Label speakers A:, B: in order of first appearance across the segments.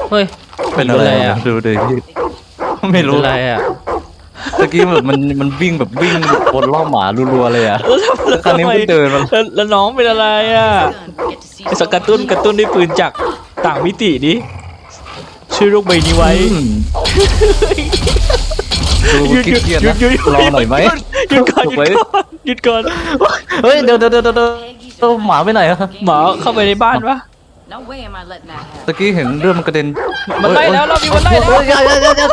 A: เฮ้ย
B: เป็นอะไรอ่ะดูดิไม่รู้
A: อะไรอ่ะ
B: ตะกี้แบบมันวิ่งแบบวิ่งบนล่อหมารัวๆเลยอ่ะ
A: แล้ว
B: ครั้งนี้มันเดินมา
A: แล้วน้องเป็นอะไรอ่ะไอ้สกระตุ้นด้วยปืนจากต่างมิติดิช่วยโลกใบนี้ไว้
B: ดูเครียดนะรอหน่อยไหม
A: หยุดก่อนหยุดก่อน
B: เฮ้ยเดี๋ยวหมาไปไหนอะ
A: หมาเข้าไปในบ้านปะ
C: No way am I letting that happen.
B: ตะกี้เห็นเรื่องมันกระเด็น
A: มันไล่แล้วเรามีมันไล่แล้ว
B: อย่า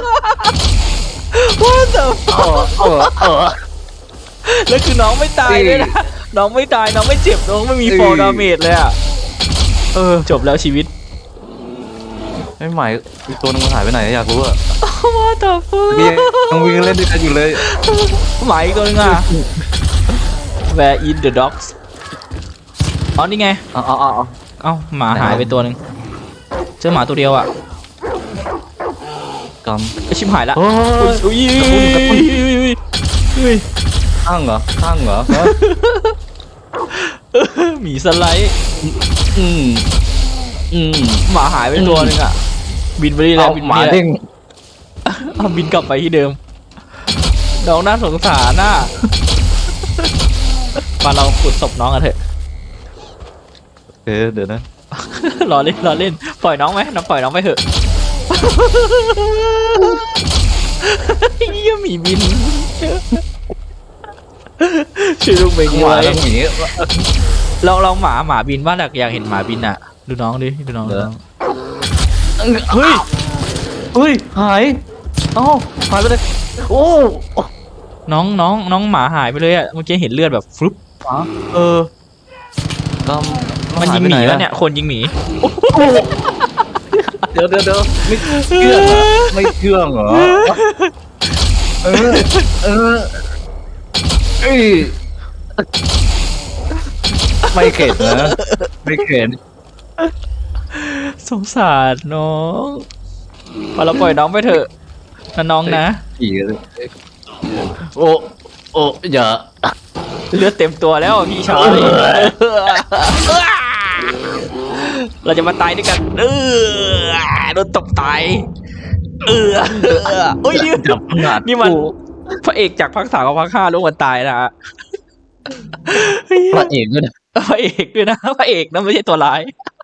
A: What the
B: เออ
A: แล้วคือน้องไม่ตายเลยนะน้องไม่ตายน้องไม่เจ็บน้องไม่มีฟอร์ดาเมจเลยอ่ะจบแล้วชีวิต
B: ไม่หมายอีกตัวนึงมันหายไปไหนอยากรู้อะ
A: What the fuck
B: ยังวิ่งเล่นด้วยกันอยู่เลย
A: หมาอีกตัวนึงอ่ะ Where in the dogs อ๋อนี่ไง
B: เอา
A: เอ้าหมาหายไปตัวนึงเจอหมาตัวเดียวอ่ะ
B: ก
A: ไอชิบหายละ
B: ำโอ้ย
A: อุ้ย
B: กระตุ้น
A: อุ้ย
B: ข้างเหรอฮะ
A: หมีสไลด์
B: อืม
A: หมาหายไปตัวนึงอ่ะบินไปนี่แห
B: เอา
A: ละบิน
B: หมา
A: ไปนี่แห
B: เด้
A: ละ
B: ง
A: เอาบินกลับไปที่เดิมน้องน่าสงสารน่ะมาเราขุดศพน้องกันเถอะ
B: เดี๋ยวนะ
A: รอเล่นปล่อยน้องไหมน้องปล่อยน้องไปเถอะเยี่ยหมีบินชื่อลูกเบง
B: หมา
A: ไว้
B: แล้วหมี
A: เราหมาบินว่าอยากเห็นหมาบินอ่ะดูน้องดิดูน้อง
B: เฮ้ยหายเอ้าหายไปเลยโอ้
A: น้องหมาหายไปเลยอ่ะเมื่อกี้เห็นเลือดแบบฟลุ๊ป
B: ก็
A: มันยิงหมีแล้วเนี่ยคนยิงหมี
B: เดี๋ยวไม่เชื่องเหรอเอ้ยไม่เข็ดนะไม่เข็ด
A: สงสารน้องพอเราปล่อยน้องไปเถอะนะน้องนะ
B: ผีเลยโอ้อย่า
A: เลือดเต็มตัวแล้วพี่ชาย เราจะมาตายด้วยกันโดนตบตายโอ้ย
B: จับขนาด
A: นี่มันพระเอกจากภาค 3กับภาค 5ร่วมกันตายนะฮะ
B: พระเอกด้วยนะ
A: พระเอกด้วยนะพระเอกนะไม่ใช่ตัวร้าย